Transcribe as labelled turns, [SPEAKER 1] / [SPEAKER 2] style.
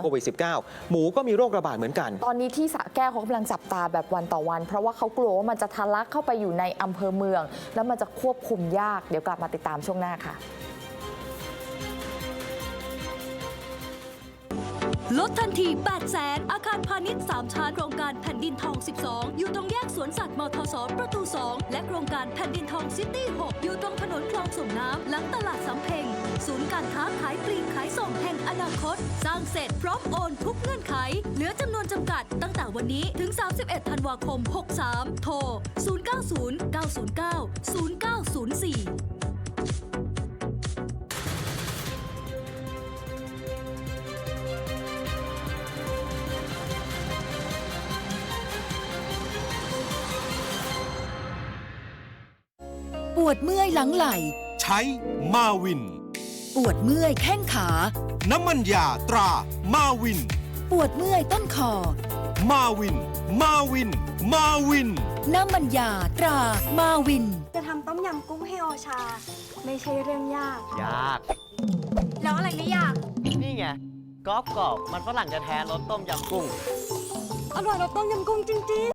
[SPEAKER 1] โควิด -19 หมูก็มีโรคระบาดเหมือนกัน
[SPEAKER 2] ตอนนี้ที่สระแก้วเขากำลังจับตาแบบวันต่อวันเพราะว่าเขากลัวว่ามันจะทะลักเข้าไปอยู่ในอำเภอเมือง แล้วมันจะควบคุมยากเดี๋ยวกลับมาติดตามช่วงหน้าค่ะ
[SPEAKER 3] ลดทันที 800,000 อาคารพาณิชย์ 3 ชั้นโครงการแผ่นดินทอง 12 อยู่ตรงแยกสวนสัตว์มทส ประตู 2 และโครงการแผ่นดินทองซิตี้ 6 อยู่ตรงถนนคลองส่งน้ำหลังตลาดสำเพ็งศูนย์การค้าขายปลีกขายส่งแห่งอนาคต สร้างเสร็จพร้อมโอนทุกเงื่อนไข เหลือจำนวนจำกัดตั้งแต่วันนี้ถึง 31 ธันวาคม 63 โทร 090 909 0904
[SPEAKER 4] ปวดเมื่อยหลังไหล่
[SPEAKER 5] ใช้มาวิน
[SPEAKER 4] ปวดเมื่อยแข้งขา
[SPEAKER 5] น้ำมันยาตรามาวิน
[SPEAKER 4] ปวดเมื่อยต้นคอ
[SPEAKER 5] มาวินมาวินมาวิน
[SPEAKER 4] น้ำมันยาตรามาวิน
[SPEAKER 6] จะทำต้มยำกุ้งให้โอชาไม่ใช่เรื่องยาก
[SPEAKER 7] ยาก
[SPEAKER 6] แล้วอะไรไม่ยาก
[SPEAKER 7] นี่ไงกรอบมันฝรั่งจะแท้รสต้มยำกุ้ง
[SPEAKER 6] อร่อยรสต้มยำกุ้งจริงๆ